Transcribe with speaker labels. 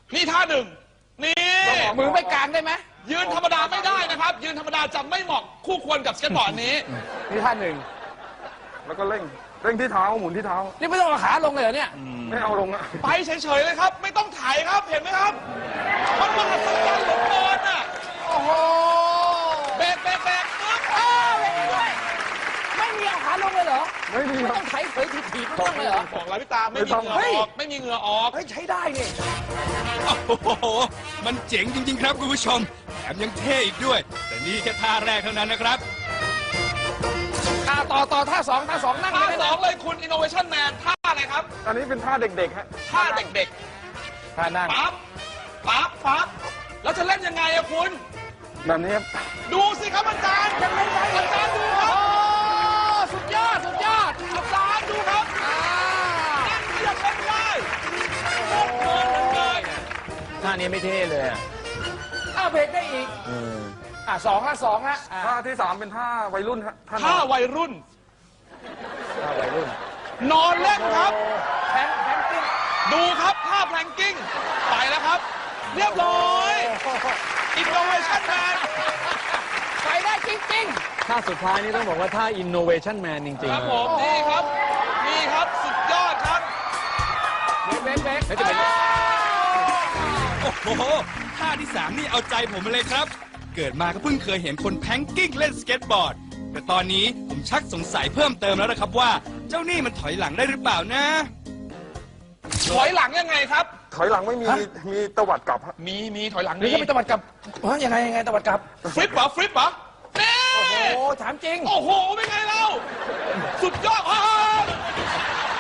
Speaker 1: นี่ท่าหนึ่งนี่
Speaker 2: มือไม่กลางได้ไหม
Speaker 1: ยืนธรรมดาไม่ได้นะครับ ยืนธรรมดาจะไม่เหมาะคู่ควรกับสเก็ตบอร์ดนี้
Speaker 2: นี่ท่าหนึ่ง
Speaker 3: แล้วก็เร่งที่เท้าหมุนที่เท้า
Speaker 2: นี่ไม่ต้องเอาขาลงเลยเหรอเนี่ย
Speaker 3: ไม่เอาลงอะ
Speaker 1: ไปเฉยๆเลยครับ ไม่ต้องถ่ายครับเห็นไหมครับมันมหัศจรรย์เหลือเกินอ่ะ
Speaker 2: โอ้โห
Speaker 1: เบรกปึ๊บ
Speaker 2: ไม่มีเอาขาลงเลยเหรอ
Speaker 3: ไม่มี
Speaker 2: ไม่
Speaker 3: ครั
Speaker 2: ต้
Speaker 3: บ
Speaker 2: องไถเผยถีบๆไม่ต้องเลยเหรอ
Speaker 1: บอกแล้วพี่ตาไม่มีเหงื่อออกไม่มีเหงื่อออก
Speaker 2: เฮ้ยใช้ได้นี่
Speaker 4: โอ้โห มันเจ๋งจริง ๆ ครับคุณผู้ชม แถมยังเท่อีกด้วย แต่นี่แค่ท่าแรกเท่านั้นนะครับ
Speaker 2: ต่อท่าสองนั่ง
Speaker 1: ท่า
Speaker 2: ได้
Speaker 1: ส
Speaker 2: ไหม
Speaker 1: องเลยคุณ Innovation Man ท่าอะไรครับ
Speaker 3: อันนี้เป็นท่าเด็กๆฮะ
Speaker 1: ท่าเด็ก
Speaker 2: ท่านั่ง
Speaker 1: ๆปั๊บแล้วจะเล่นยังไงอะคุณ
Speaker 3: แบบนี้ครับ
Speaker 1: ดูสิครับอาจารย์ยังไม่ได้อาจารย์ดูค
Speaker 2: โอ้
Speaker 1: รับ
Speaker 2: สุดยอด
Speaker 1: อาจารย์ดูครับนั่นเรียกเล่นได้โคตรเพลินเลย
Speaker 5: ท่านี้ไม่เท่เลยอ่ะ
Speaker 2: เบรกได้อีกสองละ
Speaker 3: ท่าที่3เป็นท่าวัยรุ่นฮะท่า
Speaker 1: ท่าวัยรุ่น
Speaker 5: ท่าวัยรุ่น
Speaker 1: นอนเล่นครับ
Speaker 2: แพนกิ้ง
Speaker 1: ดูครับท่าแพลงกิ้งไปแล้วครับ เรียบร้อย Innovation Man
Speaker 2: ไปได้จริง
Speaker 5: ท่าสุดท้ายนี่ต้องบอกว่าท่า innovation man จริง
Speaker 1: ครับ
Speaker 5: ๆ
Speaker 1: ผมนี่ครับสุดยอดครับ
Speaker 2: ๆเบรก
Speaker 5: แล้วจะเป็น
Speaker 4: โอ้โห ท่าที่ 3 นี่เอาใจผมมาเลยครับ เกิดมาก็เพิ่งเคยเห็นคนแพงกิ้งเล่นสเก็ตบอร์ด แต่ตอนนี้ผมชักสงสัยเพิ่มเติมแล้วนะครับว่า เจ้านี่มันถอยหลังได้หรือเปล่านะ
Speaker 1: ถอยหลังยังไงครับ
Speaker 3: ถอยหลังไม่มีมีตวัดกลับฮะ
Speaker 1: มีถอยหลัง
Speaker 2: นี่
Speaker 1: นี่
Speaker 2: ก็เป็นตะวัดกลับยังไงตะวัดกลับ
Speaker 1: ฟลิปเหรอนี่
Speaker 2: โอ้โหถามจริง
Speaker 1: โอ้โหเป็นไงเราสุดยอด